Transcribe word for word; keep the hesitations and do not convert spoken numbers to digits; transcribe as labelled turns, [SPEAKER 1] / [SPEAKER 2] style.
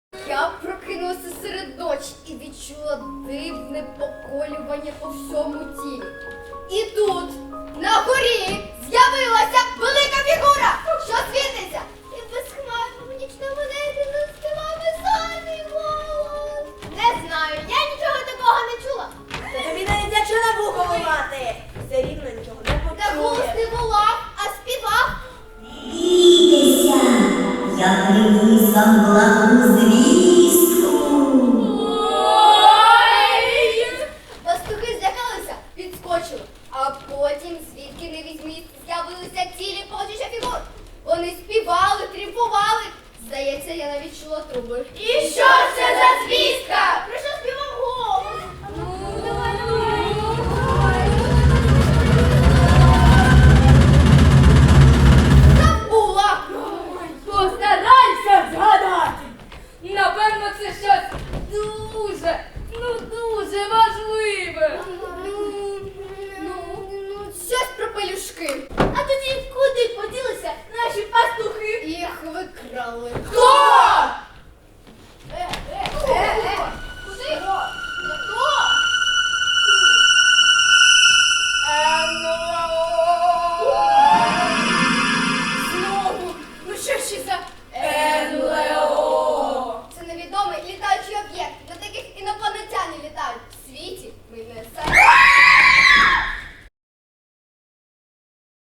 [SPEAKER 1] Я прокинулася серед ночі і відчула дивне поколювання по всьому тілі. І тут, на горі, з'явилася велика фігура, що світиться. І безхмарному нічному небі заспівав веселий голос. Не знаю, я нічого такого не чула.
[SPEAKER 2] Та тобі навіть якщо на вухо ломати, все рівно нічого не
[SPEAKER 1] Та голос
[SPEAKER 2] почує.
[SPEAKER 1] не волав, а співав.
[SPEAKER 3] Бійтеся, я приніс вам благу звістку.
[SPEAKER 1] Пастухи злякалися, відскочили, а потім, звідки не візьміть, з'явилися цілі полчища фігур. Вони співали, тріпували. Здається, я навіть чула труби. І що ж це за звістка? Про що співав голос? Ну, давай, давай. Забула!
[SPEAKER 4] Постарайся згадати. Напевно, це щось дуже, ну дуже важливе.
[SPEAKER 1] Ну,